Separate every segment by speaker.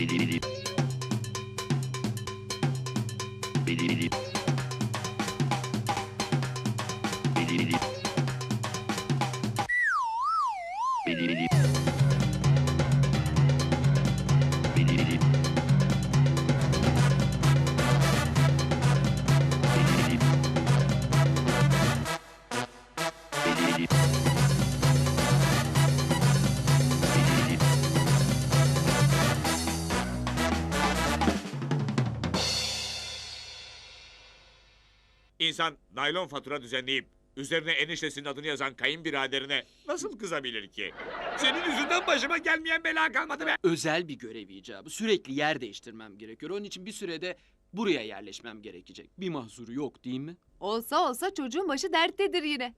Speaker 1: İnsan naylon fatura düzenleyip üzerine eniştesinin adını yazan kayınbiraderine nasıl kızabilir ki? Senin yüzünden başıma gelmeyen bela kalmadı be.
Speaker 2: Özel bir görev icabı. Sürekli yer değiştirmem gerekiyor. Onun için bir sürede buraya yerleşmem gerekecek. Bir mahzuru yok değil mi?
Speaker 3: Olsa olsa çocuğun başı derttedir yine.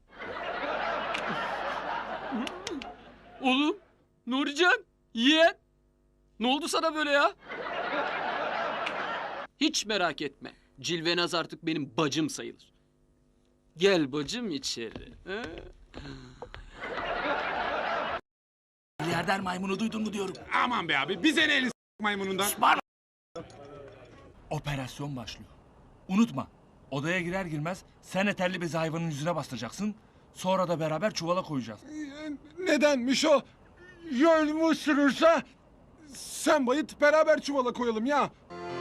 Speaker 2: Oğlum, Nurican, yeğen. Ne oldu sana böyle ya? Hiç merak etme. Cilvenaz artık benim bacım sayılır. Gel bacım içeri. He?
Speaker 4: Milyarder maymunu duydun mu diyorum.
Speaker 1: Aman be abi bize ne elin maymunundan.
Speaker 4: Operasyon başlıyor. Unutma. Odaya girer girmez sen eterli bezi hayvanın yüzüne bastıracaksın. Sonra da beraber çuvala koyacağız.
Speaker 5: Nedenmiş o? Yol sürürse sen bayıt beraber çuvala koyalım ya.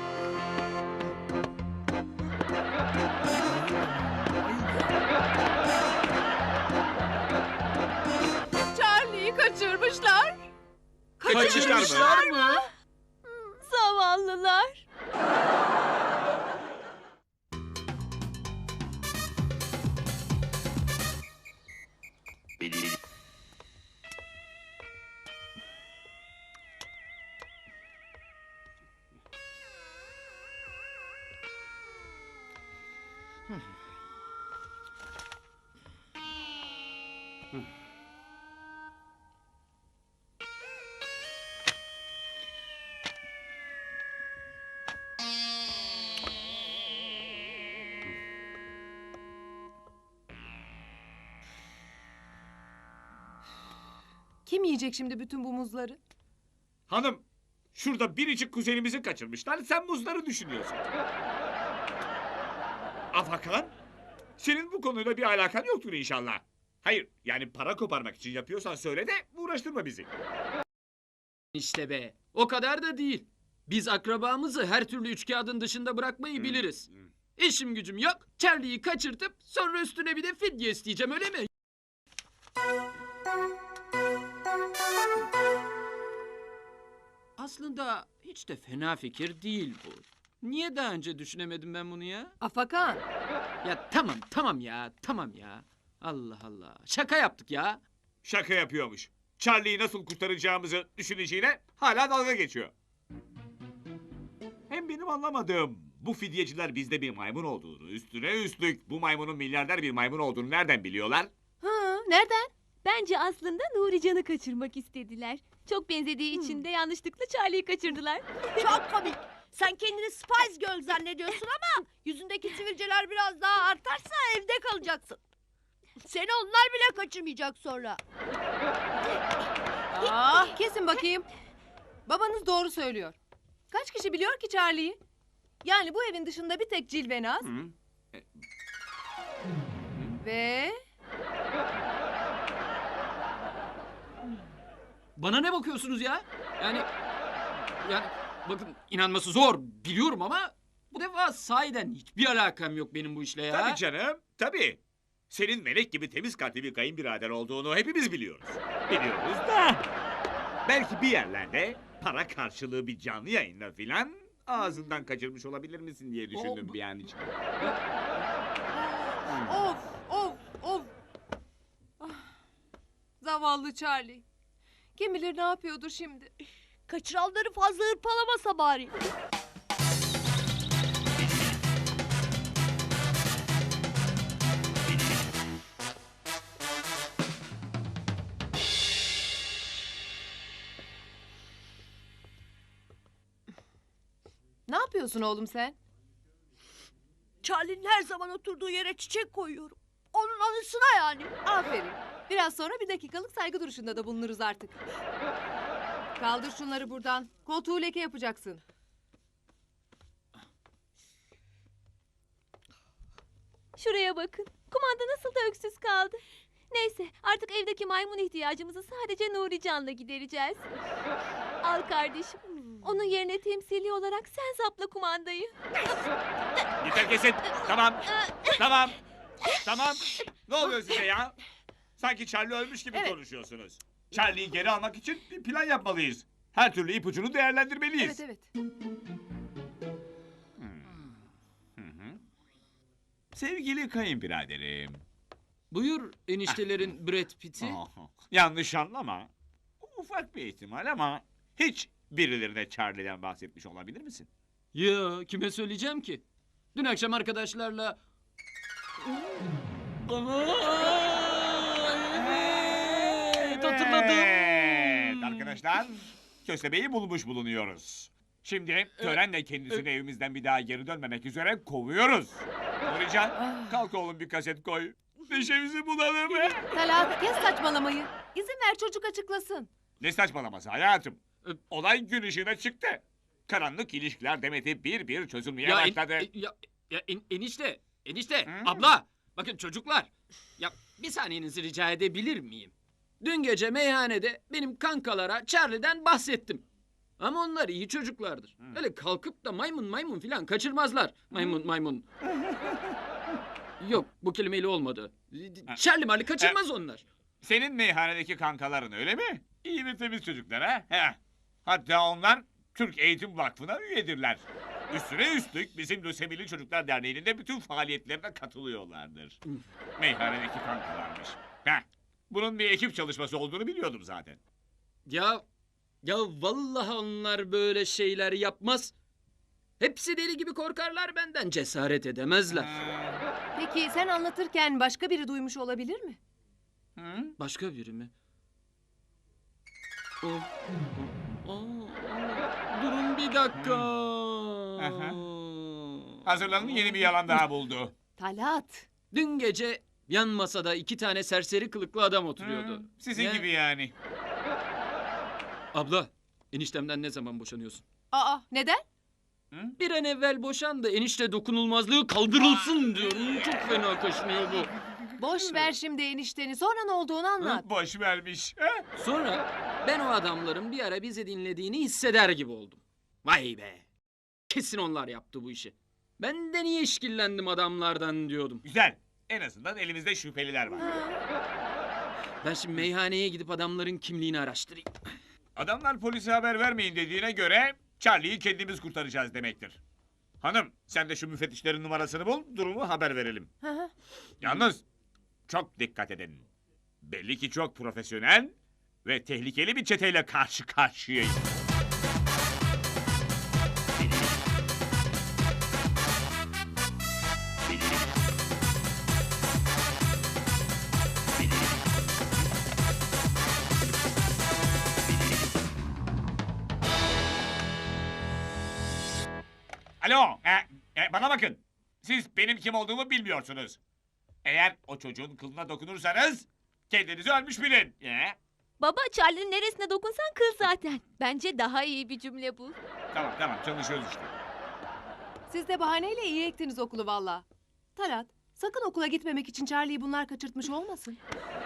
Speaker 3: Charlie'yi kaçırmışlar.
Speaker 1: Kaçırmışlar mı?
Speaker 3: Zavallılar. Kim yiyecek şimdi bütün bu muzları?
Speaker 1: Hanım şurada biricik kuzenimizi kaçırmışlar. Sen muzları düşünüyorsun. Afakan senin bu konuyla bir alakan yoktur inşallah. Hayır yani para koparmak için yapıyorsan söyle de uğraştırma bizi.
Speaker 2: İşte be. O kadar da değil. Biz akrabamızı her türlü üçkağıdın dışında bırakmayı biliriz. İşim gücüm yok. Charlie'yi kaçırtıp sonra üstüne bir de fidye isteyeceğim öyle mi? Aslında hiç de fena fikir değil bu. Niye daha önce düşünemedim ben bunu ya?
Speaker 3: Afakan.
Speaker 2: Ya tamam ya. Allah Allah. Şaka yaptık ya.
Speaker 1: Şaka yapıyormuş. Charlie'yi nasıl kurtaracağımızı düşüneceğine hala dalga geçiyor. Hem benim anlamadığım bu fidyeciler bizde bir maymun olduğunu, üstüne üstlük bu maymunun milyarder bir maymun olduğunu nereden biliyorlar?
Speaker 3: Nereden?
Speaker 6: Bence aslında Nurican'ı kaçırmak istediler. Çok benzediği için de yanlışlıkla Charlie'yi kaçırdılar.
Speaker 7: Çok komik. Sen kendini Spice Girl zannediyorsun ama yüzündeki sivilceler biraz daha artarsa evde kalacaksın. Seni onlar bile kaçırmayacak sonra.
Speaker 3: Kesin bakayım. Babanız doğru söylüyor. Kaç kişi biliyor ki Charlie'yi? Yani bu evin dışında bir tek Cilvenaz. Ve...
Speaker 2: Bana ne bakıyorsunuz ya? Yani bakın inanması zor biliyorum ama bu defa sahiden hiçbir alakam yok benim bu işle ya.
Speaker 1: Tabii canım, tabii. Senin melek gibi temiz kalpli bir kayınbirader olduğunu hepimiz biliyoruz. Biliyoruz da... Belki bir yerlerde para karşılığı bir canlı yayınla filan ağzından kaçırmış olabilir misin diye düşündüm bir an için.
Speaker 3: Of. Ah, zavallı Charlie. Kim bilir ne yapıyordur şimdi.
Speaker 7: Kaçıranları fazla hırpalamasa bari.
Speaker 3: Ne yapıyorsun oğlum sen?
Speaker 7: Charlie'nin her zaman oturduğu yere çiçek koyuyorum. Onun anısına yani.
Speaker 3: Aferin. Biraz sonra bir dakikalık saygı duruşunda da bulunuruz artık. Kaldır şunları buradan. Koltuğu leke yapacaksın.
Speaker 6: Şuraya bakın. Kumanda nasıl da öksüz kaldı. Neyse artık evdeki maymun ihtiyacımızı sadece Nurican'la gidereceğiz. Al kardeşim. Onun yerine temsili olarak sen zapla kumandayı.
Speaker 1: Yeter kesin. Tamam. Tamam. Tamam. Ne oluyor size ya? Sanki Charlie ölmüş gibi
Speaker 3: Evet.
Speaker 1: konuşuyorsunuz. Charlie'yi geri almak için bir plan yapmalıyız. Her türlü ipucunu değerlendirmeliyiz.
Speaker 3: Evet.
Speaker 1: Sevgili kayınbiraderim.
Speaker 2: Buyur eniştelerin Brad Pitt'i.
Speaker 1: Yanlış anlama. Ufak bir ihtimal ama hiç birilerine Charlie'den bahsetmiş olabilir misin?
Speaker 2: Ya kime söyleyeceğim ki? Dün akşam arkadaşlarla... Evet, hatırladım.
Speaker 1: Evet arkadaşlar. Köstebeği bulmuş bulunuyoruz. Şimdi törenle kendisini evimizden bir daha geri dönmemek üzere kovuyoruz. Nurican kalk oğlum bir kaset koy. Neşemizi bulalım.
Speaker 3: Talat kes saçmalamayı. İzin ver çocuk açıklasın.
Speaker 1: Ne saçmalaması hayatım. Olay gün ışığına çıktı. Karanlık ilişkiler demeti bir bir çözülmeye başladı.
Speaker 2: Enişte,
Speaker 1: Hı?
Speaker 2: abla, bakın çocuklar. Ya bir saniyenizi rica edebilir miyim? Dün gece meyhanede benim kankalara Charlie'den bahsettim. Ama onlar iyi çocuklardır. Öyle kalkıp da maymun filan kaçırmazlar. Maymun. Yok bu kelimeyle olmadı. Charlie Marley kaçırmaz onlar.
Speaker 1: Senin meyhanedeki kankaların öyle mi? İyi ve temiz çocuklar ha? Heh. Hatta onlar Türk Eğitim Vakfı'na üyedirler. Üstüne üstlük bizim Lösemili Çocuklar Derneği'nin de bütün faaliyetlerine katılıyorlardır. Meyhanedeki kankalarmış. Heh. Bunun bir ekip çalışması olduğunu biliyordum zaten.
Speaker 2: Ya vallahi onlar böyle şeyler yapmaz. Hepsi deli gibi korkarlar benden, cesaret edemezler.
Speaker 3: Peki sen anlatırken başka biri duymuş olabilir mi?
Speaker 1: Hı?
Speaker 2: Başka biri mi? Durun bir dakika.
Speaker 1: Aha. Hazırlanın yeni bir yalan daha buldu.
Speaker 3: Talat.
Speaker 2: Dün gece yan masada 2 tane serseri kılıklı adam oturuyordu.
Speaker 1: Sizin
Speaker 2: Ne?
Speaker 1: gibi yani.
Speaker 2: Abla, eniştemden ne zaman boşanıyorsun?
Speaker 3: Aa neden?
Speaker 2: Bir an evvel boşan da enişte dokunulmazlığı kaldırılsın diyorum. Çok fena kaşınıyor bu.
Speaker 3: Boş ver şimdi enişteni. Sonra ne olduğunu anlat.
Speaker 1: Boş vermiş. Ha?
Speaker 2: Sonra ben o adamların bir ara bizi dinlediğini hisseder gibi oldum. Vay be. Kesin onlar yaptı bu işi. Ben de niye işkillendim adamlardan diyordum.
Speaker 1: Güzel. En azından elimizde şüpheliler var.
Speaker 2: Ben şimdi meyhaneye gidip adamların kimliğini araştırayım.
Speaker 1: Adamlar polise haber vermeyin dediğine göre Charlie'yi kendimiz kurtaracağız demektir. Hanım sen de şu müfettişlerin numarasını bul, durumu haber verelim.
Speaker 3: Hı hı.
Speaker 1: Yalnız çok dikkat edin. Belli ki çok profesyonel ve tehlikeli bir çeteyle karşı karşıyayız. Alo, bana bakın. Siz benim kim olduğumu bilmiyorsunuz. Eğer o çocuğun kılına dokunursanız kendinizi ölmüş bilin.
Speaker 6: Baba Charlie'nin neresine dokunsan kıl zaten. Bence daha iyi bir cümle bu.
Speaker 1: Tamam çalışıyoruz işte.
Speaker 3: Siz de bahaneyle iyi ektiniz okulu valla. Talat sakın okula gitmemek için Charlie'yi bunlar kaçırtmış olmasın.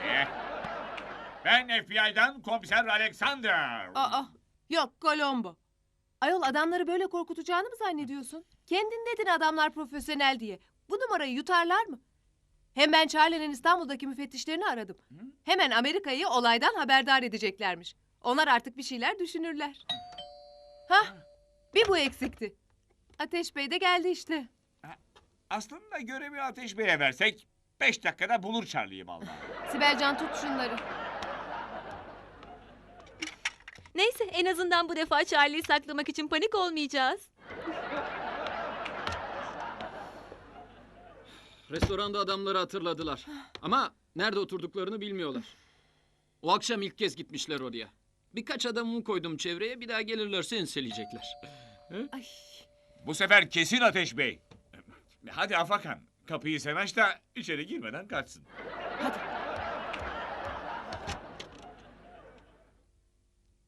Speaker 1: Ben FBI'dan komiser Alexander.
Speaker 3: Aa yok Colombo. Ayol adamları böyle korkutacağını mı zannediyorsun? Kendin dedin adamlar profesyonel diye. Bu numarayı yutarlar mı? Hem ben Charlie'nin İstanbul'daki müfettişlerini aradım. Hemen Amerika'yı olaydan haberdar edeceklermiş. Onlar artık bir şeyler düşünürler. Hah, bir bu eksikti. Ateş Bey de geldi işte.
Speaker 1: Aslında görevi Ateş Bey'e versek 5 dakikada bulur Charlie'yi vallahi.
Speaker 3: Sibelcan tut şunları.
Speaker 6: Neyse en azından bu defa Charlie'yi saklamak için panik olmayacağız.
Speaker 2: Restoranda adamları hatırladılar. Ama nerede oturduklarını bilmiyorlar. O akşam ilk kez gitmişler oraya. Birkaç adamımı koydum çevreye, bir daha gelirlerse enseleyecekler.
Speaker 3: Ay.
Speaker 1: Bu sefer kesin Ateş Bey. Hadi Afakan kapıyı sen aç da içeri girmeden kaçsın.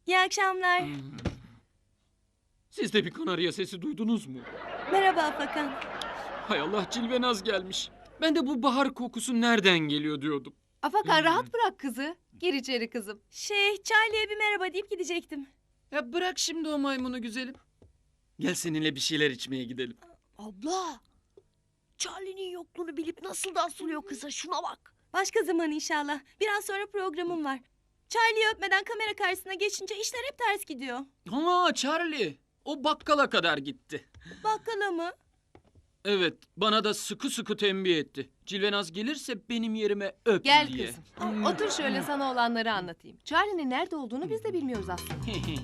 Speaker 8: İyi akşamlar.
Speaker 2: Siz de bir kanarya sesi duydunuz mu?
Speaker 8: Merhaba Afakan.
Speaker 2: Hay Allah, Cilvenaz gelmiş. Ben de bu bahar kokusu nereden geliyor diyordum.
Speaker 3: Afakan rahat bırak kızı. Gir içeri kızım.
Speaker 8: Charlie'ye bir merhaba deyip gidecektim.
Speaker 2: Ya bırak şimdi o maymunu güzelim. Gel seninle bir şeyler içmeye gidelim.
Speaker 7: Abla. Charlie'nin yokluğunu bilip nasıl da asılıyor kıza şuna bak.
Speaker 8: Başka zaman inşallah. Biraz sonra programım var. Charlie'yi öpmeden kamera karşısına geçince işler hep ters gidiyor.
Speaker 2: Ama Charlie, o bakkala kadar gitti.
Speaker 8: Bakkala mı?
Speaker 2: Evet, bana da sıkı sıkı tembih etti. Cilvenaz gelirse benim yerime öp
Speaker 3: Gel
Speaker 2: diye.
Speaker 3: kızım. Otur şöyle sana olanları anlatayım. Charlie'nin nerede olduğunu biz de bilmiyoruz aslında.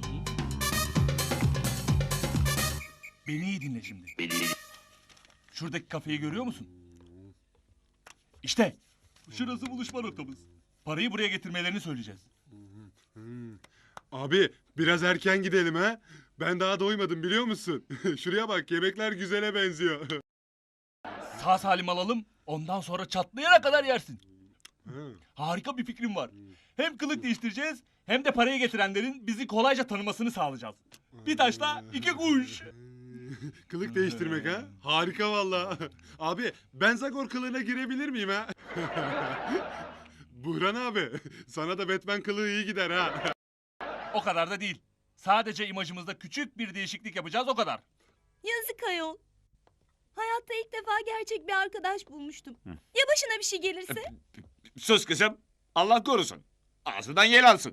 Speaker 4: Beni iyi dinle şimdi. Şuradaki kafeyi görüyor musun? İşte. Şurası buluşma noktamız. Parayı buraya getirmelerini söyleyeceğiz.
Speaker 5: Abi biraz erken gidelim ha. Ben daha doymadım biliyor musun? Şuraya bak yemekler güzele benziyor.
Speaker 4: Sağ salim alalım. Ondan sonra çatlayana kadar yersin. Harika bir fikrim var. Hem kılık değiştireceğiz hem de parayı getirenlerin bizi kolayca tanımasını sağlayacağız. Bir taşla iki kuş.
Speaker 5: Kılık değiştirmek ha? Harika valla. Abi ben Zagor kılığına girebilir miyim ha? Buhran abi sana da Batman kılığı iyi gider ha.
Speaker 4: O kadar da değil. Sadece imajımızda küçük bir değişiklik yapacağız o kadar.
Speaker 8: Yazık ayol. Hayatta ilk defa gerçek bir arkadaş bulmuştum. Ya başına bir şey gelirse?
Speaker 1: Sus kızım. Allah korusun. Ağzından yel alsın.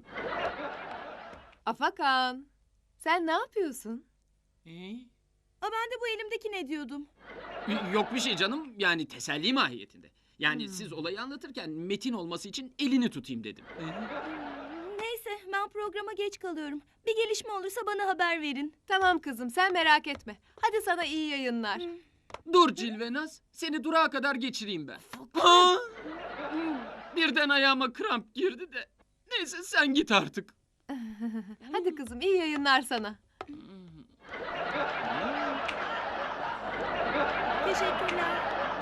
Speaker 3: Afakan. Sen ne yapıyorsun?
Speaker 8: Ben de bu elimdeki ne diyordum?
Speaker 2: Yok bir şey canım, yani teselli mahiyetinde. Yani siz olayı anlatırken metin olması için elini tutayım dedim.
Speaker 8: Neyse ben programa geç kalıyorum. Bir gelişme olursa bana haber verin.
Speaker 3: Tamam kızım sen merak etme. Hadi sana iyi yayınlar.
Speaker 2: Dur Cilvenaz, seni durağa kadar geçireyim ben. Aa! Birden ayağıma kramp girdi de. Neyse sen git artık.
Speaker 3: Hadi kızım iyi yayınlar sana.
Speaker 8: Teşekkürler.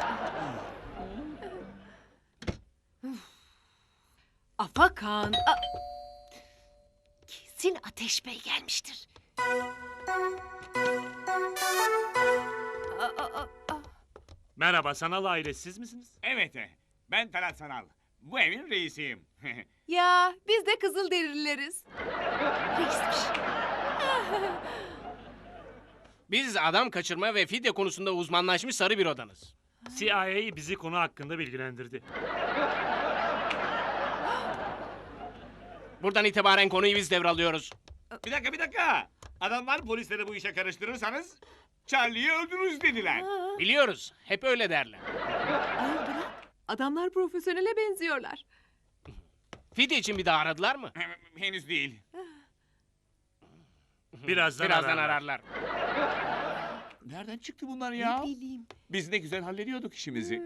Speaker 3: Afakan. Kesin Ateş Bey gelmiştir.
Speaker 9: Merhaba, Sanal ailesi siz misiniz?
Speaker 1: Evet. Ben Talat Sanal. Bu evin reisiyim.
Speaker 3: Ya biz de Kızılderilileriz.
Speaker 10: Biz adam kaçırma ve fidye konusunda uzmanlaşmış sarı bir odanız.
Speaker 9: CIA bizi konu hakkında bilgilendirdi.
Speaker 10: Buradan itibaren konuyu biz devralıyoruz.
Speaker 1: Bir dakika. Adamlar polisleri bu işe karıştırırsanız Charlie'yi öldürürüz dediler.
Speaker 10: Biliyoruz, hep öyle derler.
Speaker 3: Ayol bırak. Adamlar profesyonele benziyorlar.
Speaker 10: Fidye için bir daha aradılar mı?
Speaker 1: Henüz değil.
Speaker 9: Birazdan
Speaker 10: ararlar.
Speaker 1: Nereden çıktı bunlar ya?
Speaker 3: Ne bileyim.
Speaker 1: Biz ne güzel hallediyorduk işimizi.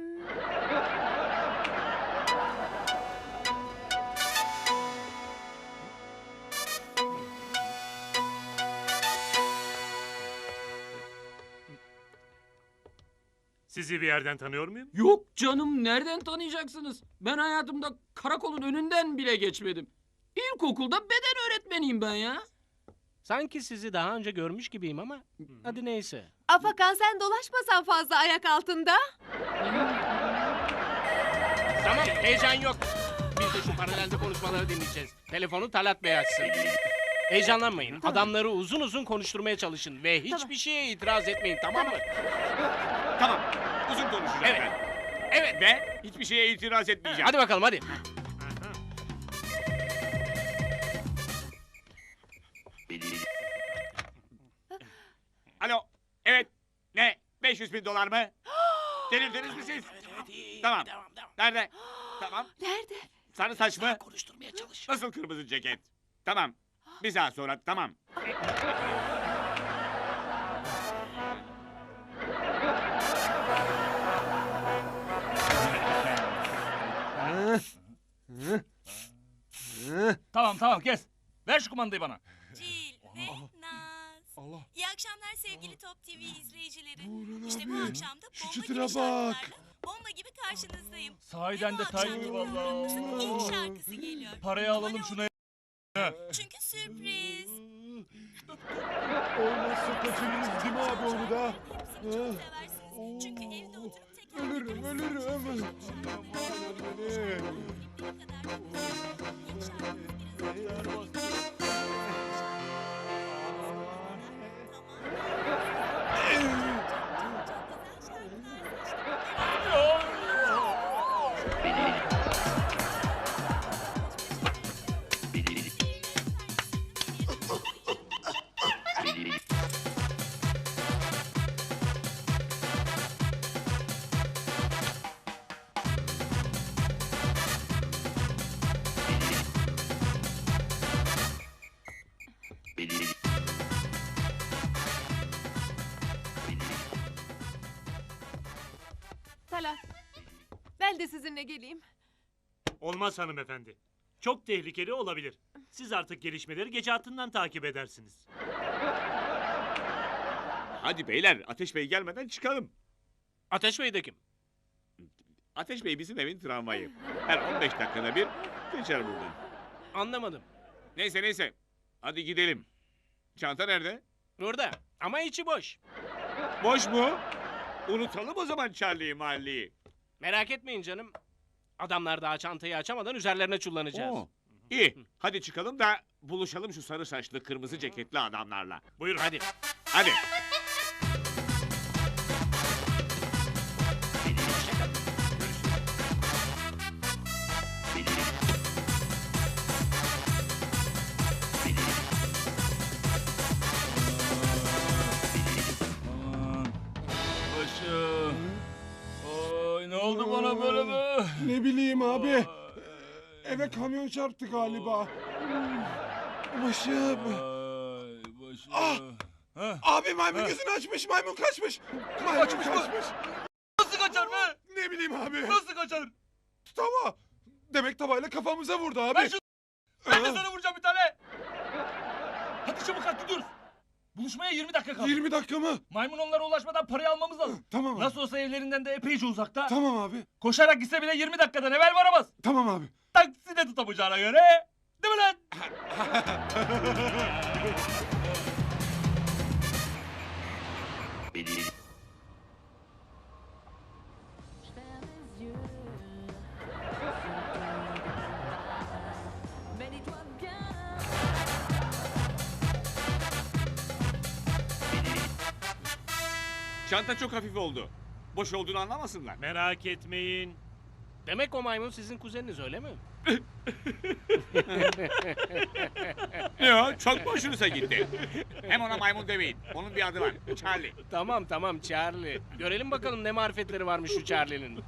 Speaker 9: Sizi bir yerden tanıyor muyum?
Speaker 2: Yok canım, nereden tanıyacaksınız? Ben hayatımda karakolun önünden bile geçmedim. İlkokulda beden öğretmeniyim ben ya.
Speaker 10: Sanki sizi daha önce görmüş gibiyim ama hadi neyse.
Speaker 3: Afakan sen dolaşmasan fazla ayak altında.
Speaker 10: Tamam, heyecan yok. Biz de şu paralelde konuşmaları dinleyeceğiz. Telefonu Talat Bey açsın. Heyecanlanmayın. Adamları uzun uzun konuşturmaya çalışın ve hiçbir şeye itiraz etmeyin, tamam mı?
Speaker 1: Tamam. Uzun konuşacağım
Speaker 10: Evet.
Speaker 1: ben.
Speaker 10: Evet.
Speaker 1: Ve hiçbir şeye itiraz etmeyeceğim.
Speaker 10: Hadi bakalım hadi.
Speaker 1: Alo. Evet. Ne? 500.000 dolar mı? Delirdiniz mi siz? Tamam. Nerede? Tamam.
Speaker 3: Nerede?
Speaker 1: Sarı saç mı?
Speaker 10: Konuşturmaya çalış.
Speaker 1: Nasıl kırmızı ceket? Tamam. Bir saat sonra tamam.
Speaker 4: Tamam kes. Ver şu kumandayı bana.
Speaker 8: Cil ve Naz.
Speaker 5: Allah.
Speaker 8: İyi akşamlar sevgili Top TV izleyicileri.
Speaker 5: Buğran
Speaker 8: İşte
Speaker 5: abi,
Speaker 8: bu akşam da
Speaker 5: şu
Speaker 8: bomba
Speaker 5: çıtıra
Speaker 8: gibi
Speaker 5: bak.
Speaker 8: şarkılarla bomba gibi karşınızdayım.
Speaker 4: Sahiden de
Speaker 8: Ve bu akşamki
Speaker 4: Tiger
Speaker 8: programımızın ilk
Speaker 4: vallahi.
Speaker 8: şarkısı geliyor.
Speaker 4: Parayı alalım
Speaker 8: Numara
Speaker 4: şuna.
Speaker 8: Çünkü sürpriz.
Speaker 5: Olmazsa kaçırırız değil mi abi onu da?
Speaker 8: Hepsini çok seversiniz. Çünkü evde oturup tekrar
Speaker 5: Ölürüm ölürüm.
Speaker 3: Talat. Ben de sizinle geleyim.
Speaker 9: Olmaz hanımefendi. Çok tehlikeli olabilir. Siz artık gelişmeleri gece hattından takip edersiniz.
Speaker 1: Hadi beyler, Ateş Bey gelmeden çıkalım.
Speaker 10: Ateş Bey de kim?
Speaker 1: Ateş Bey bizim evin tramvayı. Her 15 dakikada bir geçer buradan.
Speaker 10: Anlamadım.
Speaker 1: Neyse. Hadi gidelim. Çanta nerede?
Speaker 10: Burada ama içi boş.
Speaker 1: Boş mu? Unutalım o zaman Charlie'yi mahalleyi.
Speaker 10: Merak etmeyin canım. Adamlar daha çantayı açamadan üzerlerine çullanacağız.
Speaker 1: Oo, İyi. Hadi çıkalım da buluşalım şu sarı saçlı kırmızı ceketli adamlarla.
Speaker 9: Buyurun.
Speaker 10: Hadi.
Speaker 1: Hadi.
Speaker 4: Aman. Başım. Oy ne oldu bana böyle mi?
Speaker 5: Ne bileyim abi. Eve kamyon çarptı galiba. Başım.
Speaker 4: Ay başım.
Speaker 5: Ah!
Speaker 4: Hah.
Speaker 5: Abi maymun gözünü açmış, maymun kaçmış. Maymun
Speaker 4: Kaçmış mı?
Speaker 5: kaçmış.
Speaker 4: Nasıl kaçar be?
Speaker 5: Ne bileyim abi.
Speaker 4: Nasıl kaçar?
Speaker 5: Tava. Demek tavayla kafamıza vurdu abi.
Speaker 4: Ben şu... Ben de sana vuracağım bir tane. Hadi çabuk kalk gidiyoruz. Buluşmaya 20 dakika kaldı.
Speaker 5: 20 dakika mı?
Speaker 4: Maymun onlara ulaşmadan parayı almamız lazım.
Speaker 5: Tamam abi.
Speaker 4: Nasıl olsa evlerinden de epeyce uzakta.
Speaker 5: Tamam abi.
Speaker 4: Koşarak gitse bile 20 dakikadan evvel varamaz.
Speaker 5: Tamam abi.
Speaker 4: Taksi de tutamayacağına göre. Değil mi lan?
Speaker 1: Çanta çok hafif oldu. Boş olduğunu anlamasınlar.
Speaker 9: Merak etmeyin.
Speaker 10: Demek o maymun sizin kuzeniniz öyle mi?
Speaker 1: Ne o? Çok mu hoşunuza gitti? Hem ona maymun demeyin. Onun bir adı var. Charlie.
Speaker 10: Tamam Charlie. Görelim bakalım ne marifetleri varmış şu Charlie'nin.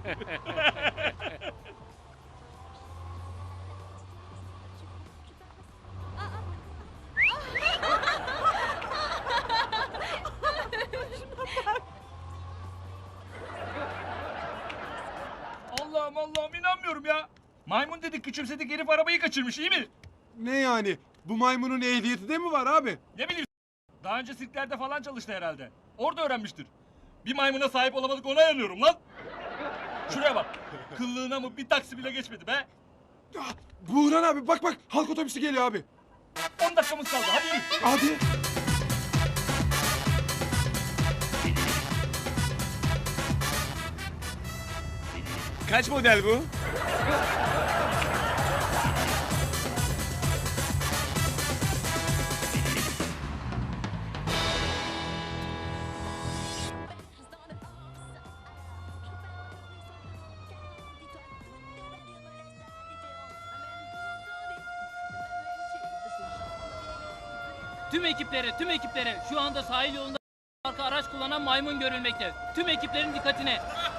Speaker 4: Allah'ım inanmıyorum ya. Maymun dedik küçümsedik herif arabayı kaçırmış iyi mi?
Speaker 5: Ne yani? Bu maymunun ehliyeti de mi var abi?
Speaker 4: Ne bileyim daha önce sirklerde falan çalıştı herhalde. Orada öğrenmiştir. Bir maymuna sahip olamadık ona yanıyorum lan. Şuraya bak. Kıllığına mı bir taksi bile geçmedi be.
Speaker 5: Ah, Buğran abi bak halk otobüsü geliyor abi.
Speaker 4: 10 dakikamız kaldı hadi yürü.
Speaker 5: Hadi.
Speaker 1: Kaç model bu?
Speaker 11: Tüm ekiplere şu anda sahil yolunda arka araç kullanan maymun görülmekte. Tüm ekiplerin dikkatine.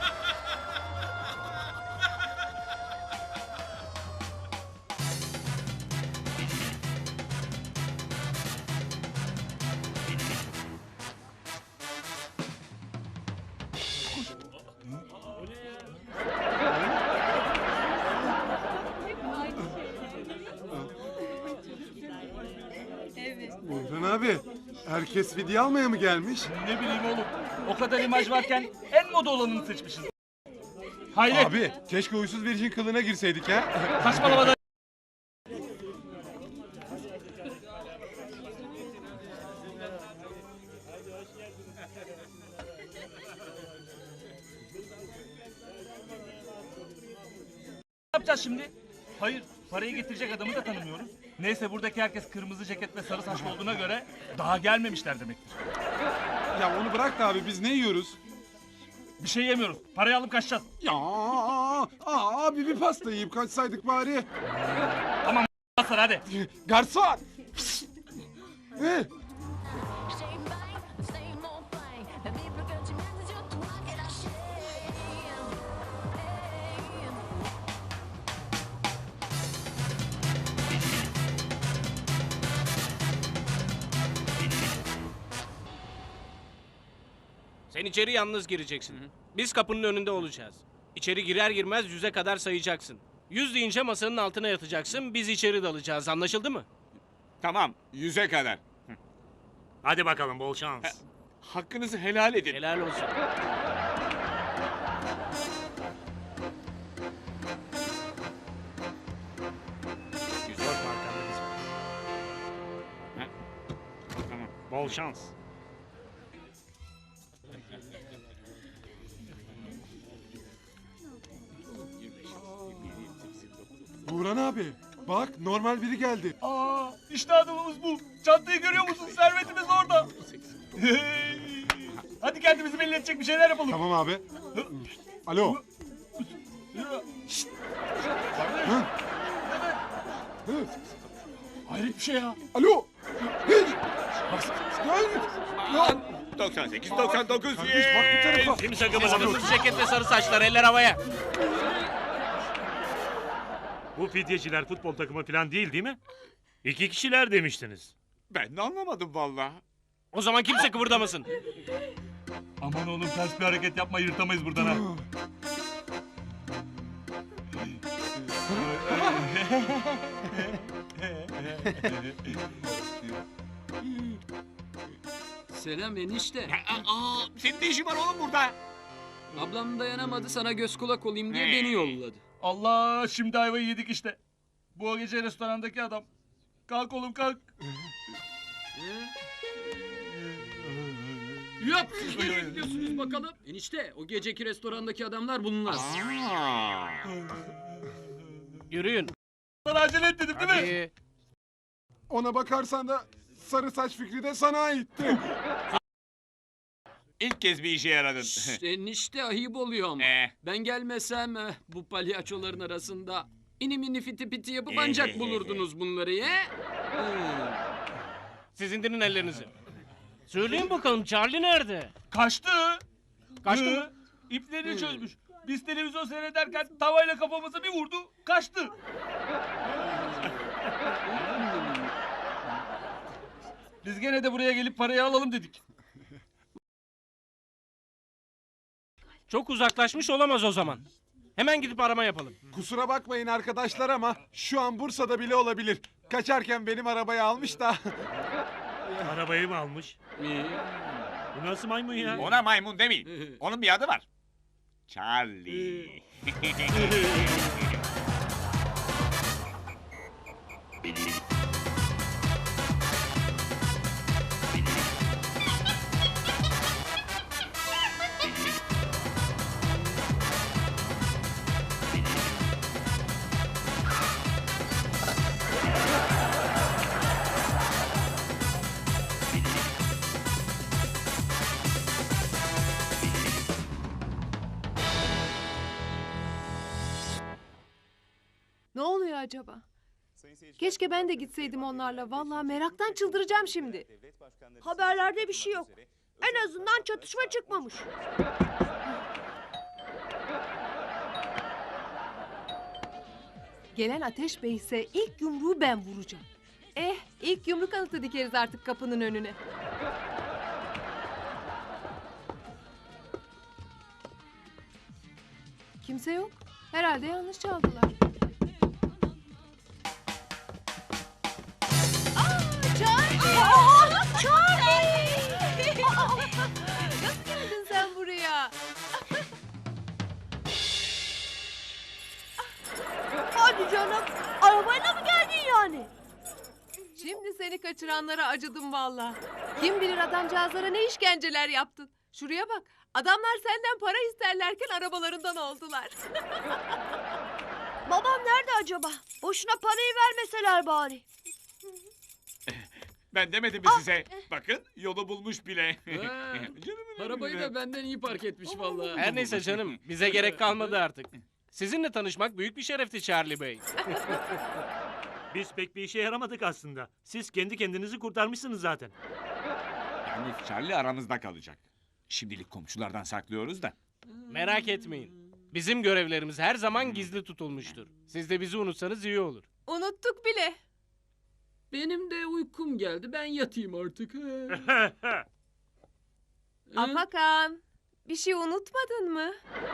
Speaker 5: Buğran abi herkes video almaya mı gelmiş?
Speaker 4: Ne bileyim oğlum. O kadar imaj varken en moda olanını seçmişiz. Haydi.
Speaker 5: Abi keşke uysuz vericin kılığına girseydik ha.
Speaker 4: Saçmalama da. yapacağız şimdi? Hayır, parayı getirecek adamı da tanımıyoruz. Neyse buradaki herkes kırmızı ceket ve sarı saçlı olduğuna göre daha gelmemişler demektir.
Speaker 5: Ya onu bırak da abi biz ne yiyoruz?
Speaker 4: Bir şey yemiyoruz. Parayı alıp kaçacağız.
Speaker 5: Ya abi bir pasta yiyip kaçsaydık bari.
Speaker 4: Basar hadi.
Speaker 5: Garson!
Speaker 10: Sen içeri yalnız gireceksin. Biz kapının önünde olacağız. İçeri girer girmez 100'e kadar sayacaksın. 100 deyince masanın altına yatacaksın. Biz içeri dalacağız. Anlaşıldı mı?
Speaker 1: Tamam, 100'e kadar.
Speaker 9: Hadi bakalım bol şans.
Speaker 1: Hakkınızı helal edin.
Speaker 10: Helal olsun.
Speaker 9: Korkma arkanda biz var.
Speaker 1: Tamam.
Speaker 9: Bol şans.
Speaker 5: Burhan abi bak normal biri geldi.
Speaker 4: Aa, işte adamımız bu. Çantayı görüyor musun? Servetimiz orada. Hadi kendimizi belli edecek bir şeyler yapalım.
Speaker 5: Tamam abi. Alo.
Speaker 4: Hayret bir şey ya.
Speaker 5: Alo. Ya.
Speaker 1: 98, 99.
Speaker 5: Kardeş bak bir tarafa.
Speaker 9: Kimse kımıldamıyor.
Speaker 10: Kırmızı ceket ve sarı saçlar. Eller havaya.
Speaker 9: Bu fidyeciler futbol takımı falan değil mi? 2 kişiler demiştiniz.
Speaker 1: Ben de anlamadım vallahi.
Speaker 10: O zaman kimse kıvırdamasın.
Speaker 4: Aman oğlum ters bir hareket yapma yırtamayız buradan ha.
Speaker 2: Selam enişte.
Speaker 1: Senin ne işin var oğlum burada?
Speaker 2: Ablam dayanamadı sana göz kulak olayım diye beni yolladı.
Speaker 4: Allah şimdi ayvayı yedik işte. Bu gece restorandaki adam. Kalk oğlum kalk.
Speaker 2: Yap siz nereye gidiyorsunuz bakalım? Enişte o geceki restorandaki adamlar bunlar.
Speaker 10: Yürüyün.
Speaker 4: Bana acele et dedim değil mi?
Speaker 10: Hadi.
Speaker 5: Ona bakarsan da sarı saç fikri de sana aitti.
Speaker 1: İlk kez bir işe yaradın.
Speaker 2: Şşt, enişte ayıp oluyor ama. Ben gelmesem bu palyaçoların arasında inim ini fiti piti yapıp ancak bulurdunuz bunları ya.
Speaker 10: Siz indirin ellerinizi. Söyleyin bakalım Charlie nerede?
Speaker 4: Kaçtı.
Speaker 10: Kaçtı mı?
Speaker 4: İplerini çözmüş. Biz televizyon seyrederken tavayla kafamıza bir vurdu. Kaçtı. Biz gene de buraya gelip parayı alalım dedik.
Speaker 10: Çok uzaklaşmış olamaz o zaman. Hemen gidip arama yapalım.
Speaker 5: Kusura bakmayın arkadaşlar ama şu an Bursa'da bile olabilir. Kaçarken benim arabayı almış da.
Speaker 9: Arabayı mı almış? Bu nasıl maymun ya?
Speaker 1: Ona maymun demeyin. Onun bir adı var. Charlie.
Speaker 3: Ne oluyor acaba? Keşke ben de gitseydim onlarla. Vallahi meraktan çıldıracağım şimdi.
Speaker 7: Haberlerde bir şey yok. En azından çatışma çıkmamış.
Speaker 3: Gelen Ateş Bey ise ilk yumruğu ben vuracağım. İlk yumruk anıtı dikeriz artık kapının önüne. Kimse yok. Herhalde yanlış çaldılar. Nasıl geldin sen buraya?
Speaker 7: Hadi canım. Arabayla mı geldin yani?
Speaker 3: Şimdi seni kaçıranlara acıdım vallahi. Kim bilir adamcağızlara ne işkenceler yaptın. Şuraya bak. Adamlar senden para isterlerken arabalarından oldular.
Speaker 7: Babam acaba? Boşuna parayı vermeseler bari.
Speaker 1: Ben demedim mi size? Bakın yolu bulmuş bile.
Speaker 2: Ha,
Speaker 1: Canım
Speaker 2: Arabayı da benden iyi park etmiş vallahi.
Speaker 10: Her neyse canım, bize gerek kalmadı artık. Sizinle tanışmak büyük bir şerefti Charlie Bey.
Speaker 9: Biz pek bir işe yaramadık aslında. Siz kendi kendinizi kurtarmışsınız zaten.
Speaker 1: Yani Charlie aramızda kalacak. Şimdilik komşulardan saklıyoruz da.
Speaker 10: Merak etmeyin. Bizim görevlerimiz her zaman gizli tutulmuştur. Siz de bizi unutsanız iyi olur.
Speaker 3: Unuttuk bile.
Speaker 2: Benim de uykum geldi. Ben yatayım artık.
Speaker 3: Afakan, bir şey unutmadın mı?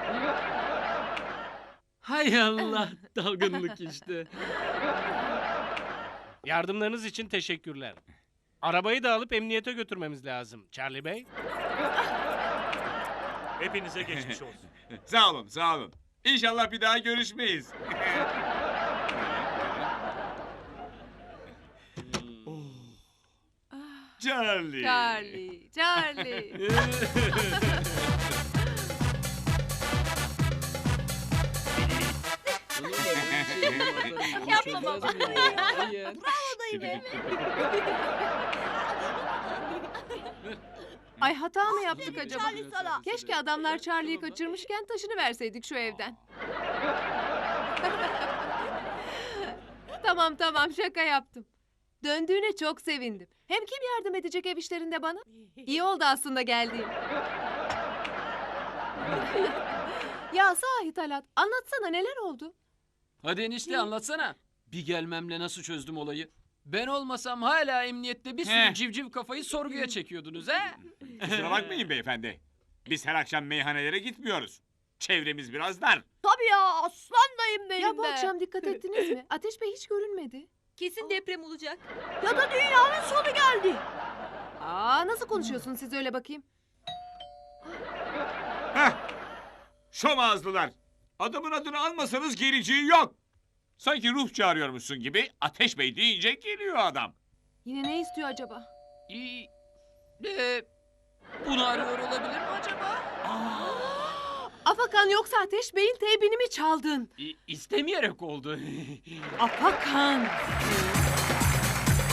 Speaker 2: Hay Allah, dalgınlık işte.
Speaker 10: Yardımlarınız için teşekkürler. Arabayı da alıp emniyete götürmemiz lazım. Charlie Bey.
Speaker 9: Hepinize geçmiş olsun.
Speaker 1: Sağ olun, sağ olun. İnşallah bir daha görüşmeyiz. Charlie.
Speaker 3: Charlie, Charlie.
Speaker 6: Yapma baba.
Speaker 3: Ay hata mı yaptık acaba?
Speaker 7: Charlie sana.
Speaker 3: Keşke adamlar Charlie'yi kaçırmışken taşını verseydik şu evden. Tamam şaka yaptım. Döndüğüne çok sevindim. Hem kim yardım edecek ev işlerinde bana? İyi oldu aslında geldiğim. Ya sahi Talat, anlatsana neler oldu?
Speaker 2: Hadi enişte anlatsana. Bir gelmemle nasıl çözdüm olayı? Ben olmasam hala emniyette bir sürü civciv kafayı sorguya çekiyordunuz ha?
Speaker 1: Kusura bakmayın beyefendi. Biz her akşam meyhanelere gitmiyoruz. Çevremiz biraz dar.
Speaker 7: Tabii ya aslan dayım benim
Speaker 3: Ya bu
Speaker 7: be.
Speaker 3: akşam dikkat ettiniz mi? Ateş Bey hiç görünmedi.
Speaker 8: Kesin deprem olacak.
Speaker 7: Ya da dünyanın sonu geldi.
Speaker 3: Aa nasıl konuşuyorsun siz öyle bakayım?
Speaker 1: Heh! Şom ağızlılar. Adamın adını almasanız geleceği yok. Sanki ruh çağırıyormuşsun gibi Ateş Bey deyince geliyor adam.
Speaker 3: Yine ne istiyor acaba?
Speaker 2: Bunu arıyor olabilir mi acaba?
Speaker 3: Afakan yoksa Ateş Bey'in teybini mi çaldın?
Speaker 2: İstemeyerek oldu.
Speaker 3: Afakan.